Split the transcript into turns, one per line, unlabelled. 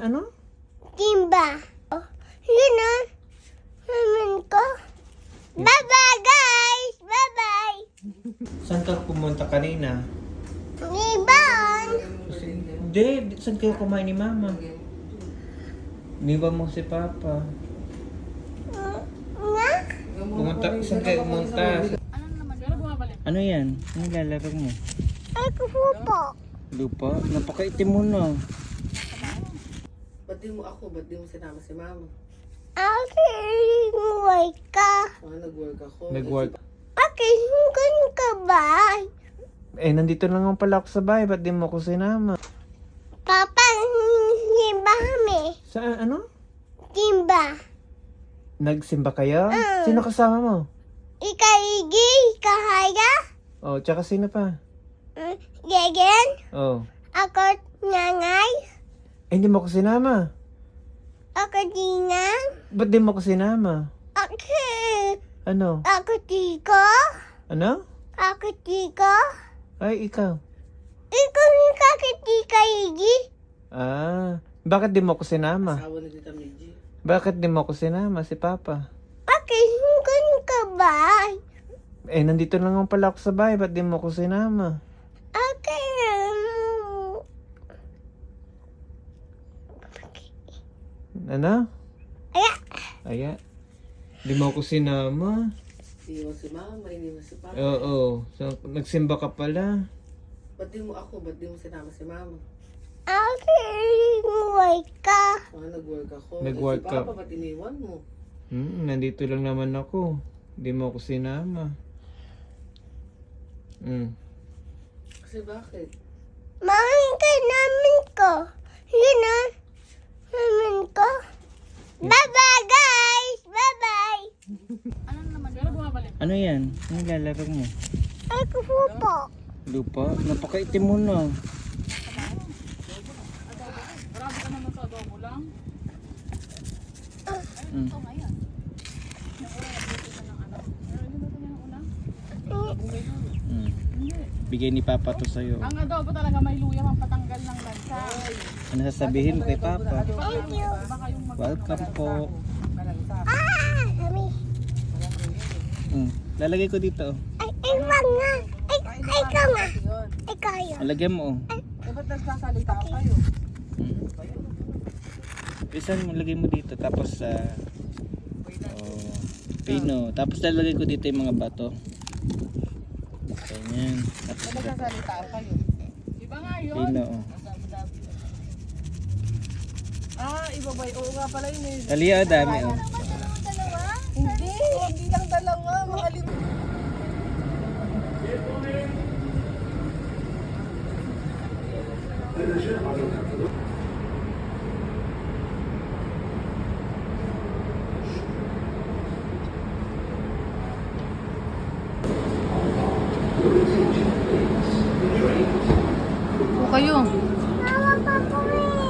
ano?
Timba. Oh, yun o. Naman ko. Bye-bye, guys! Bye-bye!
Saan ka pumunta kanina?
Ibon!
Hindi, saan kayo kumain ni Mama? Iniwan mo si Papa.
Nga?
Pumunta, saan kayo pumunta? Ano yan? Ano lalaro mo?
Ay, kupo.
Lupa? Napakaitim mo na.
Ba't di mo ako? Ba't di mo sinama si Mama?
Okay, work ka.
Nag-work ako.
Nag-work.
Okay, hanggang ka ba?
Nandito lang naman pala ako sa bahay. Ba't di mo ako sinama?
Papa, simba kami.
Saan? Ano?
Simba.
Nagsimba kayo? Sino kasama mo?
Ikaigi, ikahaya.
Oh, tsaka sino pa?
Gegen,
Oh.
ako nanay.
Hindi mo ako sinama.
Ako dinang.
Ba't di mo ako sinama?
Ako,
Ano?
ako tiko.
Ano?
Ako tiko.
Ay, ikaw.
Ikaw yung kakitika, Igi.
Bakit di mo ako sinama?
Asawa na Tita Meiji.
Bakit di mo ako sinama si Papa?
Okay, hanggang ka ba?
Nandito lang naman pala ako sa bahay. Ba't di mo ako sinama?
Okay.
Ano?
Aya.
Aya. Di mo ako sinama.
Hindi mo si Mama, hindi mo si Papa.
Oo. So, nagsimba ka pala.
Ba't di mo ako? Ba't di mo sinama si Mama?
Okay, work ka.
Nag-work ako.
Nag-work
Si
ka.
Papa, ba't iniwan mo?
Nandito lang naman ako. Di mo ako sinama.
Kasi bakit?
Mahal ka namin ko. Yun o. Namin ko. Bye-bye, guys! Bye-bye!
Ano yan? Ano lalaro mo?
Ay, kupo.
Lupa? Napakaitim mo na. Bigay ni Papa to sa'yo.
Ang adobo talaga may luya pampatanggal ng lansa.
Ano sasabihin mo kay Papa?
Thank you.
Welcome po.
Kami.
Lalagay ko dito.
Ay, wag nga. Ay, ikaw nga. Ikaw yun.
Lalagyan mo.
Ba't nagsasalita kayo?
Isan mo, lagay mo dito. Tapos pino. Tapos lalagay ko dito yung mga bato. Ganyan. Tapos
Nagsasalita kayo?
Iba nga yun.
pino.
Iba ba? Oo nga pala yun eh.
Talia, dami.
Hindi lang dalawa. Mga lima.
O kayo.
Mama, papa,